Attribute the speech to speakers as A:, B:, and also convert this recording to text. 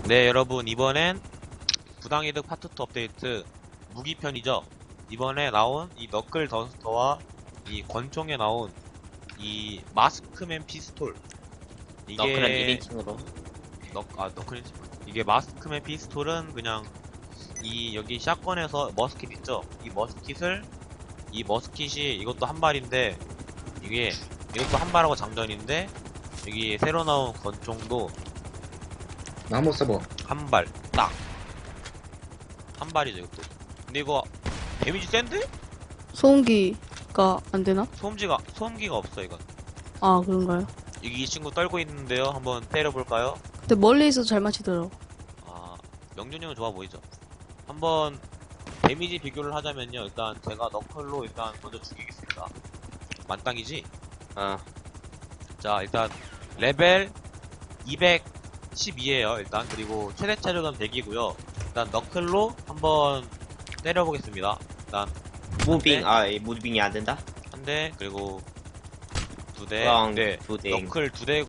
A: 네, 여러분, 이번엔 부당이득 파트 2 업데이트 무기편이죠. 이번에 나온 이 너클 더스터와 이 권총에 나온 이 마스크맨 피스톨.
B: 너클은
A: 이게
B: 1인칭으로.
A: 너클 이게 마스크맨 피스톨은 그냥 이 여기 샷건에서 머스킷 있죠. 이 머스킷이 이것도 한 발인데 이것도 한 발하고 장전인데 여기 새로 나온 권총도
C: 나무 서버.
A: 한 발, 딱. 한 발이죠, 이것도. 근데 이거, 데미지 센데?
D: 소음기가 안 되나?
A: 소음기가 없어, 이건.
D: 아, 그런가요?
A: 이 친구 떨고 있는데요. 한번 때려볼까요?
D: 근데 멀리 있어서 잘 맞히더라고.
A: 아, 명준이 형은 좋아 보이죠? 한번, 데미지 비교를 하자면요. 일단, 제가 너클로 일단 먼저 죽이겠습니다. 만땅이지? 자, 일단, 레벨 212에요, 일단. 그리고, 최대 체력은 100이고요. 일단, 너클로 한번 때려보겠습니다. 일단,
B: 무빙,
A: 네.
B: 무빙이 안 된다?
A: 한 대, 그리고 두 대,
B: 꽝,
A: 네,
B: 두 대.
A: 너클 두 대,